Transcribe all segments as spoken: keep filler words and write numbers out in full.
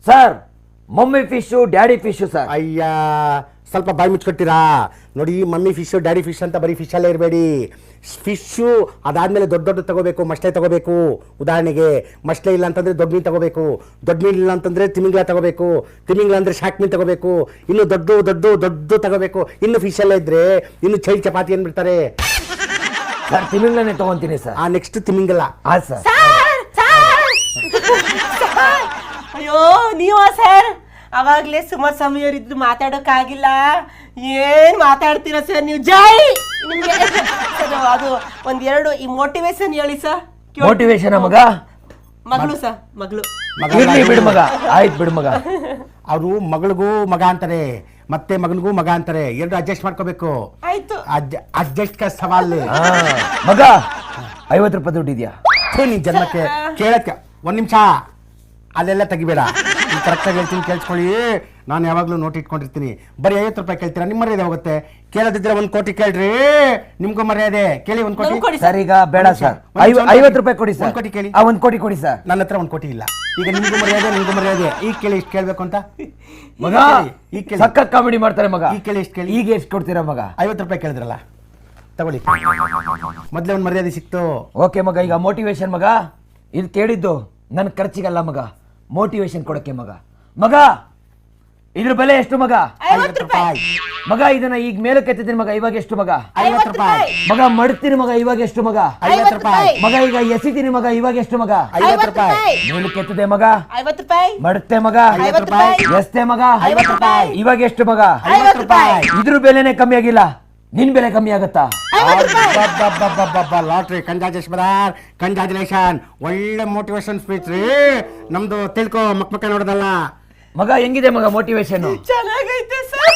Sir mummy fish daddy fish sir. ಅಯ್ಯ ಸ್ವಲ್ಪ ಬಾಯಿ ಮುಚ್ಕೊಟ್ಟಿರಾ ನೋಡಿ. ಮಮ್ಮಿ ಫಿಶು ಡ್ಯಾಡಿ ಫಿಶ್ ಅಂತ ಬರೀ ಫಿಶಲ್ಲೇ ಇರಬೇಡಿ. ಫಿಶ್ಶು ಅದಾದಮೇಲೆ ದೊಡ್ಡ ದೊಡ್ಡ ತಗೋಬೇಕು, ಮಸ್ಲೆ ತಗೋಬೇಕು. ಉದಾಹರಣೆಗೆ ಮಸ್ಲೆ ಇಲ್ಲ ಅಂತಂದರೆ ದೊಡ್ಡ ಮೀನು ತಗೋಬೇಕು, ದೊಡ್ಡ ಮೀನು ಇಲ್ಲ ಅಂತಂದರೆ ತಿಮಿಂಗ್ಲ ತಗೋಬೇಕು, ತಿಮಿಂಗ್ಲ ಅಂದರೆ ಶಾಕ್ ಮೀನು ತಗೋಬೇಕು, ಇನ್ನು ದೊಡ್ಡ ದೊಡ್ಡ ದೊಡ್ಡ ತಗೋಬೇಕು. ಇನ್ನು ಫಿಶಲ್ಲೇ ಇದ್ದರೆ ಇನ್ನು ಚೈಲ್ ಚಪಾತಿ ಅಂದ್ಬಿಡ್ತಾರೆ. ಸರ್ ತಿಮಿಂಗ್ಲನೇ ತಗೊಂತೀನಿ ಸರ್. ಆ ನೆಕ್ಸ್ಟ್ ತಿಮಿಂಗಲ. ಹಾಂ ಸರ್. ಅಯ್ಯೋ ನೀವ ಸರ್ ಅವಾಗ್ಲೇ ಸುಮಾರು ಸಮಯರಿದ್ದು ಮಾತಾಡೋಕ್ಕಾಗಿಲ್ಲ. ಏನ್ ಮಾತಾಡ್ತೀರಾ ಸರ್ ನೀವು? ಜೈ ನಿಮ್ಗೆ ಅದು ಒಂದೆರಡು ಈ ಮೋಟಿವೇಶನ್ ಹೇಳಿ ಸರ್. ಮೋಟಿವೇಶನ್ ಮಗ ಮಗಳು ಸರ್ ಮಗಳು ಇರ್ಲಿ ಬಿಡು ಮಗ. ಆಯ್ತು ಬಿಡು ಮಗ. ಅವರು ಮಗಳಿಗೂ ಮಗ ಅಂತಾರೆ, ಮತ್ತೆ ಮಗನಿಗೂ ಮಗ ಅಂತಾರೆ. ಎರಡು ಅಡ್ಜಸ್ಟ್ ಮಾಡ್ಕೋಬೇಕು. ಆಯ್ತು ಅಡ್ಜಸ್ಟ್ ಕ ಸವಾಲ್. ಮಗ ಐವತ್ತು ರೂಪಾಯಿ ದುಡ್ಡು ಇದೆಯಾ? ನಿನ್ ಜನ್ಮಕ್ಕೆ ಕೇಳಕ್ಕೆ ಒಂದ್ ನಿಮಿಷ ಅಲ್ಲೆಲ್ಲ ತೆಗಿಬೇಡ. ಕರೆಕ್ಟಾಗಿ ಹೇಳ್ತೀನಿ ಕೇಳಿಸ್ಕೊಳ್ಳಿ. ನಾನು ಯಾವಾಗಲೂ ನೋಟ್ ಇಟ್ಕೊಂಡಿರ್ತೀನಿ. ಬರೀ ಐವತ್ತು ರೂಪಾಯಿ ಕೇಳ್ತೀರಾ, ನಿಮ್ಮ ಮರ್ಯಾದೆ ಹೋಗುತ್ತೆ. ಕೇಳದಿದ್ರೆ ಒಂದ್ ಕೋಟಿ ಕೇಳ್ರಿ, ನಿಮ್ಗೂ ಮರ್ಯಾದೆ. ಕೇಳಿ ಒಂದ್ ಕೋಟಿ. ಸರ್ ಈಗ ಬೇಡ ಸರ್, ಐವತ್ತು ರೂಪಾಯಿ ಕೊಡಿ ಸರ್. ಒಂದ್ ಕೋಟಿ ಕೇಳಿ. ಒಂದ್ ಕೋಟಿ ಕೊಡಿ ಸರ್. ನನ್ನ ಹತ್ರ ಒಂದ್ ಕೋಟಿ ಇಲ್ಲ. ಈಗ ನಿಮ್ಗೂ ಮರ್ಯಾದೆ, ನಿಮ್ಗೂ ಮರ್ಯಾದೆ. ಈಗ ಕೇಳಿ ಇಷ್ಟು ಕೇಳ್ಬೇಕು ಅಂತ. ಮಗ ಈಗ ಕೇಳಿ. ಸಖತ್ ಕಾಮಿಡಿ ಮಾಡ್ತಾರೆ ಮಗ. ಈಗ ಕೇಳಿ ಇಷ್ಟು ಕೇಳಿ. ಈಗ ಎಷ್ಟು ಕೊಡ್ತೀರಾ ಮಗ? ಐವತ್ತು ರೂಪಾಯಿ ಕೇಳಿದ್ರಲ್ಲ, ತಗೊಳ್ಳಿ. ಮೊದ್ಲೇ ಒಂದ್ ಮರ್ಯಾದೆ ಸಿಕ್ತು. ಓಕೆ ಮಗ. ಈಗ ಮೋಟಿವೇಶನ್ ಮಗ. ಇದು ಕೇಳಿದ್ದು ನನ್ನ ಖರ್ಚಿಗಲ್ಲ ಮಗ, ಮೋಟಿವೇಶನ್ ಕೊಡಕ್ಕೆ ಮಗ. ಮಗ ಇದ್ರ ಬೆಲೆ ಎಷ್ಟು ಮಗ? ಐವತ್ತು ರೂಪಾಯಿ ಮಗ. ಇದನ್ನ ಈಗ ಮೇಲಕ್ಕೆ ಎತ್ತಿದ್ದೀನಿ ಮಗ. ಇವಾಗ ಎಷ್ಟು ಮಗ? ಐವತ್ತು ರೂಪಾಯಿ ಮಗ. ಮಡ್ತೀನಿ ಮಗ. ಇವಾಗ ಎಷ್ಟು ಮಗ? ಐವತ್ತು ರೂಪಾಯಿ ಮಗ. ಈಗ ಎಸಿತೀನಿ ಮಗ. ಇವಾಗ ಎಷ್ಟು ಮಗ? ಐವತ್ತು ರೂಪಾಯಿ ಮೇಲಕ್ಕೆ ಎತ್ತದೆ ಮಗ. ಐವತ್ತು ರೂಪಾಯಿ ಮಡುತ್ತೆ ಮಗ. ಐವತ್ತು ರೂಪಾಯಿ ಎಸ್ತೆ ಮಗ. ಐವತ್ತು ರೂಪಾಯಿ ಇವಾಗ ಎಷ್ಟು ಮಗ? ಐವತ್ತು ರೂಪಾಯಿ ಇದ್ರ ಬೆಲೆನೇ ಕಮ್ಮಿ ಆಗಿಲ್ಲ, ನಿನ್ ಬೆಲೆ ಕಮ್ಮಿ ಆಗತ್ತಾ? ಲಾಟ್ರಿ. Congratulation brother, congratulation. ಒಳ್ಳೆ ಮೋಟಿವೇಶನ್ ಸ್ಪೀಚ್ ರೀ ನಮ್ದು. ತಿಳ್ಕೊ, ಮಕ್ ಮಕ್ಕ ನೋಡೋದಲ್ಲ ಮಗ. ಹೆಂಗಿದೆ ಮಗ ಮೋಟಿವೇಶನ್? ಚೆನ್ನಾಗೈತೆ ಸರ್.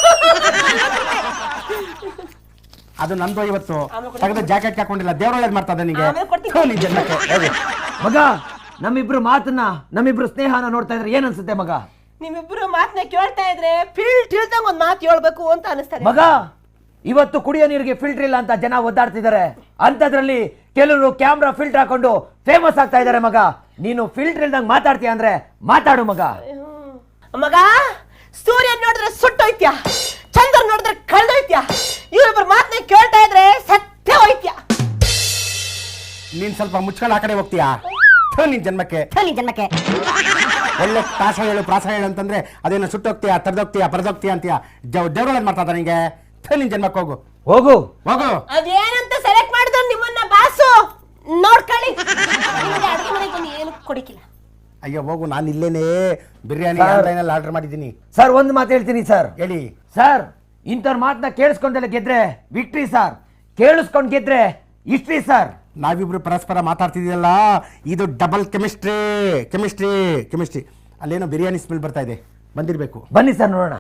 ಅದು ನಂದು ಇವತ್ತು ತೆಗೆದು ಜಾಕೆಟ್ ಹಾಕೊಂಡಿಲ್ಲ. ದೇವ್ರ ಒಳ್ಳೇದು ಮಾಡ್ತಾ ನಿನಗೆ. ಆಮೇಲೆ ಕೊಡ್ತೀನಿ. ಮಗ ನಮ್ಮಿಬ್ರು ಮಾತನ್ನ, ನಮ್ಮಿಬ್ರು ಸ್ನೇಹನ ನೋಡ್ತಾ ಇದ್ರೆ ಏನ್ ಅನ್ಸುತ್ತೆ ಮಗ? ನಿಮ್ಮಿಬ್ರು ಮಾತನ್ನ ಕೇಳ್ತಾ ಇದ್ರೆ ಫೀಲ್ ತಿಳಿದಂಗ ಒಂದ್ ಮಾತು ಹೇಳ್ಬೇಕು ಅಂತ ಅನಿಸ್ತಾರೆ ಮಗ. ಇವತ್ತು ಕುಡಿಯೋ ನೀರಿಗೆ ಫಿಲ್ಟರ್ ಇಲ್ಲ ಅಂತ ಜನ ಒದ್ದಾಡ್ತಿದ್ದಾರೆ. ಅಂತದ್ರಲ್ಲಿ ಕೆಲವರು ಕ್ಯಾಮ್ರಾ ಫಿಲ್ಟರ್ ಹಾಕೊಂಡು ಫೇಮಸ್ ಆಗ್ತಾ ಇದ್ದಾರೆ ಮಗ. ನೀನು ಫಿಲ್ಟರ್ ಇಲ್ದಂಗ್ ಮಾತಾಡ್ತೀಯ ಅಂದ್ರೆ ಮಾತಾಡು ಮಗ. ಮಗ ಸೂರ್ಯ ನೋಡಿದ್ರೆ ಸುಟ್ಟೋಯ್ತ್ಯಾ, ಚಂದ್ರ ನೋಡಿದ್ರೆ ಕಳ್ದೋಯ್ತ್ಯಾ, ಇವರಿಬ್ಬರು ಮಾತನ್ನ ಕೇಳ್ತಾ ಇದ್ರೆ ಸತ್ಯ ಹೋಯ್ತ್ಯಾ. ನೀನ್ ಸ್ವಲ್ಪ ಮುಚ್ಕೊಂಡು ಆ ಕಡೆ ಹೋಗ್ತೀಯಾ? ನಿನ್ ಜನ್ಮಕ್ಕೆ ನಿನ್ ಜನ್ಮಕ್ಕೆ ಒಳ್ಳೆ ಪ್ರಾಸ ಹೇಳು, ಪ್ರಾಸ ಹೇಳು ಅಂತಂದ್ರೆ ಅದೇನೋ ಸುಟ್ಟೋಗ್ತೀಯಾ, ತರ್ದೋಗ್ತೀಯಾ, ಪರದೋಗ್ತೀಯಾ ಅಂತೀಯಾ. ದೇವ್ರ ಒಳ್ಳೇದು ಮಾಡ್ತಾ ನಿಂಗೆ. ನಿನ್ ಜನ್ಮಕ್ಕೆ ಹೋಗು ಹೋಗು ಹೋಗು. ಅದೇನಂತ ಸೆಲೆಕ್ಟ್ ಮಾಡಿದ್ರು ನಿಮ್ಮನ್ನ ಬಾಸು ನೋಡ್ಕೊಳ್ಳಿ. ಅಡುಗೆ ಮನೆಗೆ ಏನು ಕೊಡಿಕಿಲ್ಲ. ಅಯ್ಯೋ ಹೋಗು. ನಾನು ಇಲ್ಲೇನೆ ಬಿರಿಯಾನಿ ಆನ್ಲೈನಲ್ಲಿ ಆರ್ಡರ್ ಮಾಡಿದ್ದೀನಿ. ಸರ್ ಒಂದು ಮಾತು ಹೇಳ್ತೀನಿ ಸರ್. ಹೇಳಿ ಸರ್. ಇಂಥವ್ರ ಮಾತನ್ನ ಕೇಳಿಸ್ಕೊಂಡೆಲ್ಲ ಗೆದ್ರೆ ವಿಕ್ಟ್ರಿ ಸರ್, ಕೇಳಿಸ್ಕೊಂಡ್ ಗೆದ್ರೆ ಹಿಸ್ಟ್ರಿ ಸರ್. ನಾವಿಬ್ರು ಪರಸ್ಪರ ಮಾತಾಡ್ತಿದ್ದೀವಲ್ಲ, ಇದು ಡಬಲ್ ಕೆಮಿಸ್ಟ್ರಿ ಕೆಮಿಸ್ಟ್ರಿ ಕೆಮಿಸ್ಟ್ರಿ. ಅಲ್ಲೇನೋ ಬಿರಿಯಾನಿ ಸ್ಮೆಲ್ ಬರ್ತಾ ಇದೆ, ಬಂದಿರಬೇಕು. ಬನ್ನಿ ಸರ್ ನೋಡೋಣ.